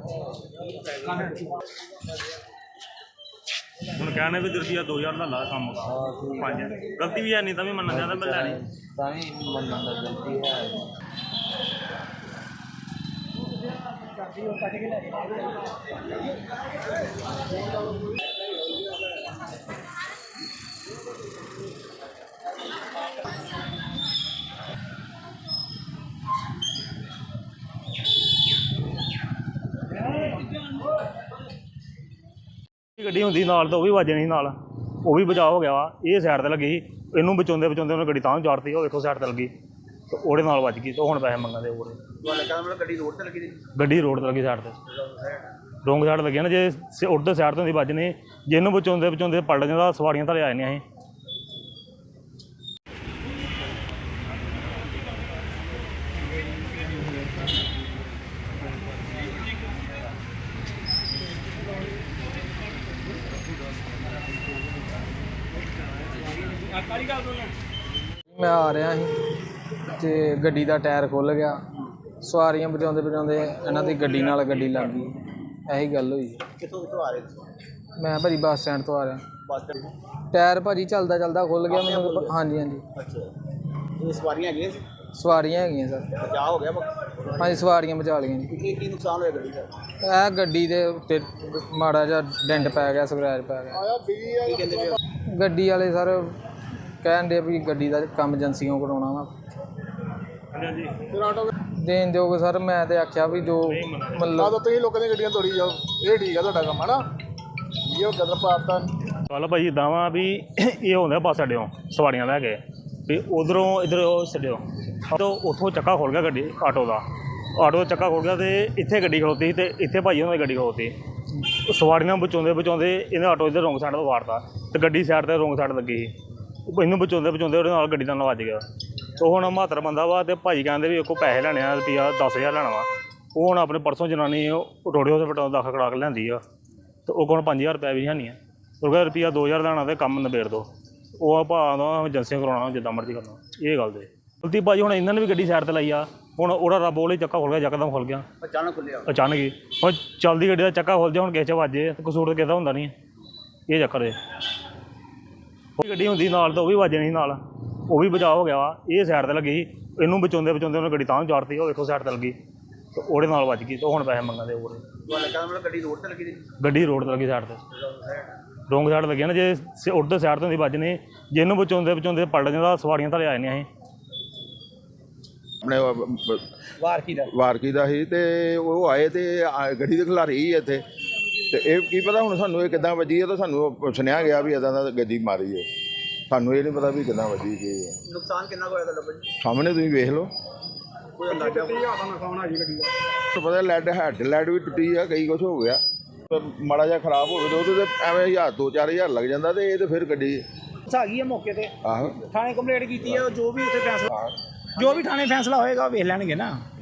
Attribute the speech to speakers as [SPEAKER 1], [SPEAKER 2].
[SPEAKER 1] ਹੁਣ कहने भी रुपया 2000 का ला कम गलती भी है नहीं तभी मनना चाहता मैं लैनी
[SPEAKER 2] गलती है।
[SPEAKER 1] ਗੱਡੀ ਹੁੰਦੀ ਨਾਲ ਤਾਂ ਉਹ ਵੀ ਵੱਜ ਜਾਣੀ ਨਾਲ, ਉਹ ਵੀ ਬਚਾਅ ਹੋ ਗਿਆ ਵਾ। ਇਹ ਸਾਈਡ ਤੇ ਲੱਗੀ ਸੀ, ਇਹਨੂੰ ਬਚਾਉਂਦੇ ਉਹਨੇ ਗੱਡੀ ਤਾਂ ਚਾੜਤੀ, ਉਹ ਵੇਖੋ ਸਾਈਡ ਤੇ ਲੱਗੀ ਤੇ ਉਹਦੇ ਨਾਲ ਵੱਜ ਗਈ ਤੇ ਹੁਣ ਪੈਸੇ ਮੰਗਦੇ ਹੋਰ।
[SPEAKER 2] ਗੱਡੀ ਰੋਡ ਤੇ ਲੱਗੀ,
[SPEAKER 1] ਗੱਡੀ ਰੋਡ ਤੇ ਲੱਗੀ ਸਾਈਡ ਤੇ, ਰੋਂਗ ਸਾਈਡ ਲੱਗੀ ਨਾ। ਜੇ ਉੱਧਰ ਸਾਈਡ ਤੋਂ ਦੀ ਵੱਜਣੀ, ਜੇ ਇਹਨੂੰ ਬਚਾਉਂਦੇ ਪਲਟ ਜਾਂਦਾ, ਸਵਾਰੀਆਂ ਥੱਲੇ ਆ ਜਾਂਦੀਆਂ ਸੀ।
[SPEAKER 3] मैं आ रहा ही तो गड्डी का टायर खुल गया, सवारियां बचाते इन्हों की गड्डी नाल गड्डी लग गई, यही गल हुई। मैं भाजी बस स्टैंड तो आ रहा, टायर भाजी चलता चलता खुल गया मैं। हाँ जी हाँ जी, सवारियां है सर, हाँ जी सवारियां बचा लिया। गड्डी के उत्ते माड़ा जा डेंट पै गया, स्क्रैच पै गया। गड्डी वाले सर कहन दे भी गड्डी का काम एजेंसियों कराना वा, देन दोगे सर। मैं तो आख्या भी जो मतलब
[SPEAKER 4] लोगों की गड्डियां तोड़ी जाओ, ये ठीक है तुहाडा काम है ना, ये गदर पाता।
[SPEAKER 1] गल भाई इदा वा भी ये होंगे बस अड्डे सवारियां लैके भी उधरों इधर छड्डियो तो उतों चक्का खुल गया गड्डी आटो का चक्का खुल गया तो इत्थे गड्डी खड़ोती तो इत्थे भाई होंगे गड्डी खड़ोती, सवारियां बचाते इन्हें आटो इधर रोंग साइड तो वारता तो गड्डी साइड पर रोंग साइड लगी, इन्हूं बचाते ਉਹਦੇ ਨਾਲ ਗੱਡੀ ਨਾਲ ਵੱਜ ਗਿਆ। तो ਹੁਣ ਮਾਤਰ ਬੰਦਾ ਵਾ ਤੇ ਭਾਈ ਕਹਿੰਦੇ ਵੀ ਇੱਕ ਪੈਸੇ ਲੈਣੇ ਆ ਰੁਪਿਆ 10,000 ਲੈਣਾ ਵਾ। ਉਹ ਹੁਣ ਆਪਣੇ ਪਰਸੋਂ ਜਨਾਨੀ ਰੋੜੇ ਹਸਪਤਾਲ ਦਾਖਲ ਕਰਾ ਕੇ ਲਿਆਂਦੀ ਆ ਤੇ ਉਹ ਕੋਲ 5,000 ਰੁਪਇਆ ਵੀ ਨਹੀਂ ਆ। ਉਹ ਕਹਿੰਦਾ ਰੁਪਿਆ 2,000 ਲੈਣਾ ਤੇ ਕੰਮ ਨਿਬੇੜ ਦੋ। ਉਹ ਭਾਅ ਦਾ ਏਜੰਸੀਆਂ ਕਰਾਉਣਾ ਜਿੱਦਾਂ ਮਰਜ਼ੀ ਕਰਨਾ, ਇਹ ਗੱਲ ਦੇ ਗਲਤੀ ਭਾਜੀ। ਹੁਣ ਇਹਨਾਂ ਨੇ ਵੀ ਗੱਡੀ ਸਾਈਡ ਤੇ ਲਾਈ ਆ, ਹੁਣ ਉਹਦਾ ਰੱਬ ਉਹਲੇ ਚੱਕਾ ਖੁੱਲ ਗਿਆ, ਯਕਦਮ ਖੁੱਲ ਗਿਆ ਅਚਾਨਕ ਹੀ। ਹੁਣ ਚੱਲਦੀ ਗੱਡੀ ਦਾ ਚੱਕਾ ਖੁੱਲ ਜਾ, ਹੁਣ ਕਿਸੇ 'ਚ ਵੱਜੇ ਤੇ ਕਸੂਰ ਤਾਂ ਕਿਸੇ ਦਾ ਹੁੰਦਾ ਨਹੀਂ, ਇਹ ਚੱਕਰ ਹੈ। ਗੱਡੀ ਹੁੰਦੀ ਨਾਲ ਤਾਂ ਉਹ ਵੀ ਵੱਜ ਜਾਣੀ ਨਾਲ, ਉਹ ਵੀ ਬਚਾਅ ਹੋ ਗਿਆ ਵਾ। ਇਹ ਸਾਈਡ ਤੇ ਲੱਗੀ ਸੀ, ਇਹਨੂੰ ਬਚਾਉਂਦੇ ਉਹਨੇ ਗੱਡੀ ਤਾਂ ਚਾੜਤੀ, ਉਹ ਵੇਖੋ ਸਾਈਡ ਤੇ ਲੱਗੀ ਤੇ ਉਹਦੇ ਨਾਲ ਵੱਜ ਗਈ ਤੇ ਹੁਣ ਪੈਸੇ ਮੰਗਦੇ ਹੋਰ।
[SPEAKER 2] ਗੱਡੀ ਰੋਡ ਤੇ ਲੱਗੀ,
[SPEAKER 1] ਗੱਡੀ ਰੋਡ ਤੇ ਲੱਗੀ ਸਾਈਡ ਤੇ, ਰੋਂਗ ਸਾਈਡ ਲੱਗੀ ਨਾ। ਜੇ ਉੱਧਰ ਸਾਈਡ ਤੋਂ ਦੀ ਵੱਜਣੀ, ਜੇ ਇਹਨੂੰ ਬਚਾਉਂਦੇ ਪਲਟ ਜਾਂਦਾ, ਸਵਾਰੀਆਂ ਥੱਲੇ ਆ ਜਾਂਦੀਆਂ ਸੀ।
[SPEAKER 4] ਆਪਣੇ ਵਾਰਕੀ ਦਾ ਸੀ ਤੇ ਉਹ ਆਏ ਤੇ ਗੱਡੀ ਦੇ ਖਿਲਾਰੀ ਹੀ ਇੱਥੇ ਤੇ ਇਹ ਕੀ ਪਤਾ ਹੁਣ ਸਾਨੂੰ ਇਹ ਕਿੱਦਾਂ ਵੱਜੀ ਹੈ। ਤਾਂ ਸਾਨੂੰ ਸੁਣਿਆ ਗਿਆ ਵੀ ਇੱਦਾਂ ਦਾ ਗੱਡੀ ਮਾਰੀ ਹੈ, ਸਾਨੂੰ ਇਹ ਨਹੀਂ ਪਤਾ ਵੀ ਕਿੱਦਾਂ ਵੱਜੀ ਕੀ ਹੈ।
[SPEAKER 2] ਨੁਕਸਾਨ ਕਿੰਨਾ ਹੋਇਆ ਤੁਹਾਡਾ ਭਾਜੀ?
[SPEAKER 4] ਸਾਹਮਣੇ ਤੁਸੀਂ ਵੇਖ ਲਓ, ਪਤਾ ਲੈਡ ਵੀ ਟੁੱਟੀ ਆ, ਕਈ ਕੁਛ ਹੋ ਗਿਆ। ਮਾੜਾ ਜਿਹਾ ਖਰਾਬ ਹੋਵੇ ਤਾਂ ਉਹਦੇ ਤੇ ਐਵੇਂ 1000 2-4 ਲੱਗ ਜਾਂਦਾ ਤੇ ਇਹ ਤਾਂ ਫਿਰ ਗੱਡੀ
[SPEAKER 5] ਆ ਗਈ ਹੈ ਮੌਕੇ ਤੇ।
[SPEAKER 4] ਆਹੋ
[SPEAKER 5] ਥਾਣੇ ਕੰਪਲੇਂਟ ਕੀਤੀ ਹੈ, ਜੋ ਵੀ ਉੱਥੇ ਫੈਸਲਾ, ਜੋ ਵੀ ਥਾਣੇ ਫੈਸਲਾ ਹੋਏਗਾ ਵੇਖ ਲੈਣਗੇ ਨਾ।